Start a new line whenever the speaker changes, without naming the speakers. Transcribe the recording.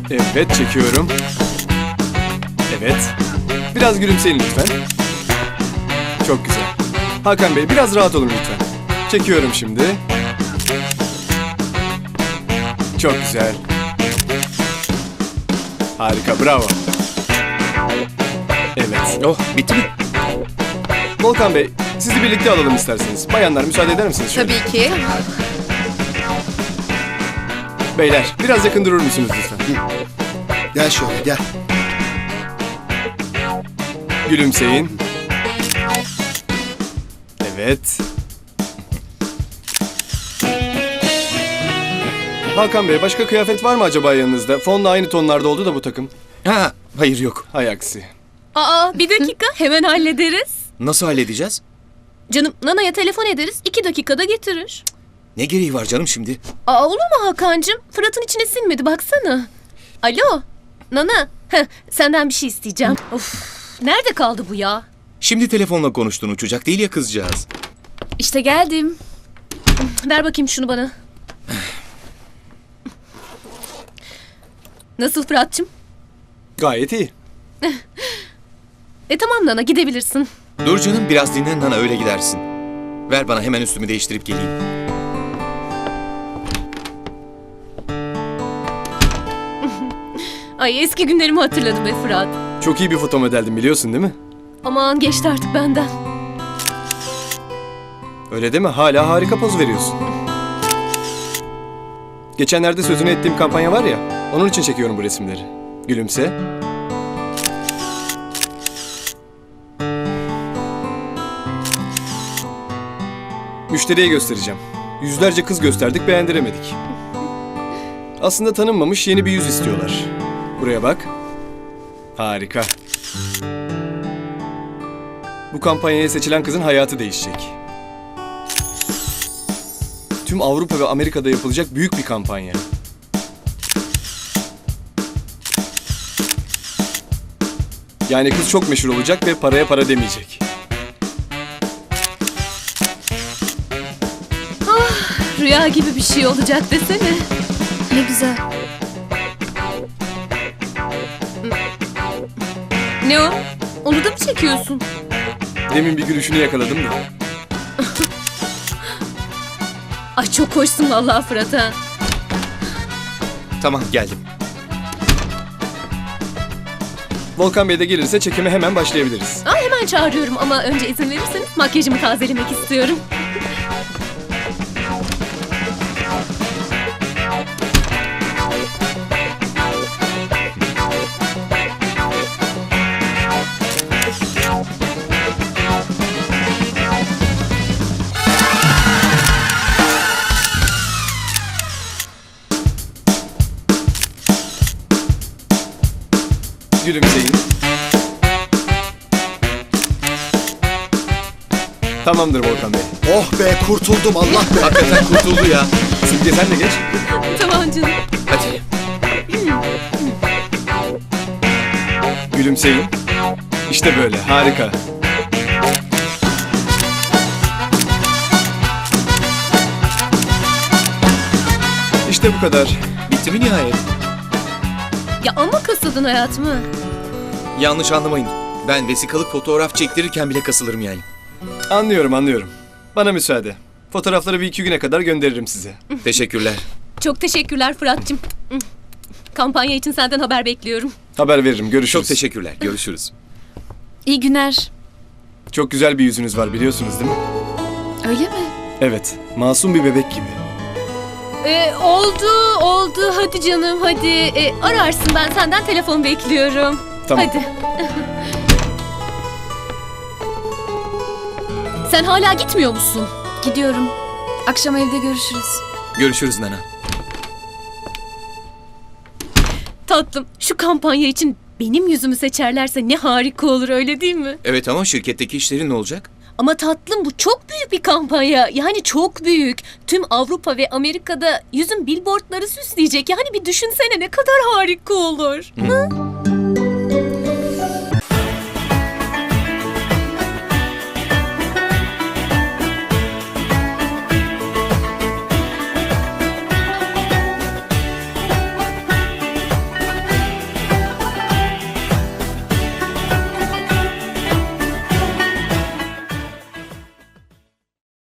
Evet, çekiyorum. Evet. Biraz gülümseyin lütfen. Çok güzel. Hakan Bey, biraz rahat olun lütfen. Çekiyorum şimdi. Çok güzel. Harika, bravo. Evet.
Oh, bitti mi?
Volkan Bey, sizi birlikte alalım isterseniz. Bayanlar, müsaade eder misiniz şöyle?
Tabii ki.
Beyler, biraz yakın durur musunuz lütfen?
Gel şöyle gel.
Gülümseyin. Evet. Hakan Bey, başka kıyafet var mı acaba yanınızda? Fonla aynı tonlarda oldu da bu takım.
Ha, hayır yok.
Hay aksi.
Aa, bir dakika, hemen hallederiz.
Nasıl halledeceğiz?
Canım, Nana'ya telefon ederiz, 2 dakikada getirir.
Ne gereği var canım şimdi?
Aa, olur mu Hakan'cığım? Fırat'ın içine sinmedi, baksana. Alo, Nana. Heh, senden bir şey isteyeceğim. Of, nerede kaldı bu ya?
Şimdi telefonla konuştun, uçacak değil ya kızcağız.
İşte geldim. Ver bakayım şunu bana. Nasıl Fırat'cığım?
Gayet iyi.
Tamam Nana, gidebilirsin.
Dur canım, biraz dinlen Nana, öyle gidersin. Ver bana, hemen üstümü değiştirip geleyim.
Ay, eski günlerimi hatırladım be Fırat.
Çok iyi bir foto modeldin, biliyorsun değil mi?
Aman, geçti artık benden.
Öyle deme, hala harika poz veriyorsun. Geçenlerde sözünü ettiğim kampanya var ya, onun için çekiyorum bu resimleri. Gülümse. Müşteriye göstereceğim. Yüzlerce kız gösterdik, beğendiremedik. Aslında tanınmamış yeni bir yüz istiyorlar. Buraya bak. Harika. Bu kampanyaya seçilen kızın hayatı değişecek. Tüm Avrupa ve Amerika'da yapılacak büyük bir kampanya. Yani kız çok meşhur olacak ve paraya para demeyecek.
Rüya gibi bir şey olacak desene.
Ne güzel.
Ne o? Onu da mı çekiyorsun?
Demin bir gülüşünü yakaladım da.
Ay, çok hoşsun vallahi Fırat ha.
Tamam, geldim.
Volkan Bey de gelirse çekime hemen başlayabiliriz.
Aa, hemen çağırıyorum ama önce izin verirseniz makyajımı tazelemek istiyorum.
Gülümseyin. Tamamdır Volkan Bey.
Oh be kurtuldum Allah be.
Hakikaten kurtuldu ya.
Simge sen de geç.
Tamam canım.
Hadi.
Gülümseyin. İşte böyle, harika. İşte bu kadar.
Bitti mi nihayet?
Ya ama kasıldın hayatımı.
Yanlış anlamayın. Ben vesikalık fotoğraf çektirirken bile kasılırım yani.
Anlıyorum. Bana müsaade. Fotoğrafları bir 2 güne kadar gönderirim size.
Teşekkürler.
Çok teşekkürler Fırat'cığım. Kampanya için senden haber bekliyorum.
Haber veririm, görüşürüz.
Çok teşekkürler. Görüşürüz.
İyi günler.
Çok güzel bir yüzünüz var, biliyorsunuz değil mi?
Öyle mi?
Evet, masum bir bebek gibi.
Oldu. Hadi canım, hadi. Ararsın, ben senden telefon bekliyorum.
Tamam.
Hadi. Sen hala gitmiyor musun?
Gidiyorum. Akşam evde görüşürüz.
Görüşürüz Nana.
Tatlım, şu kampanya için benim yüzümü seçerlerse ne harika olur, öyle değil mi?
Evet ama şirketteki işlerin ne olacak?
Ama tatlım, bu çok büyük bir kampanya. Yani çok büyük. Tüm Avrupa ve Amerika'da yüzün billboardları süsleyecek. Yani bir düşünsene, ne kadar harika olur. Hı?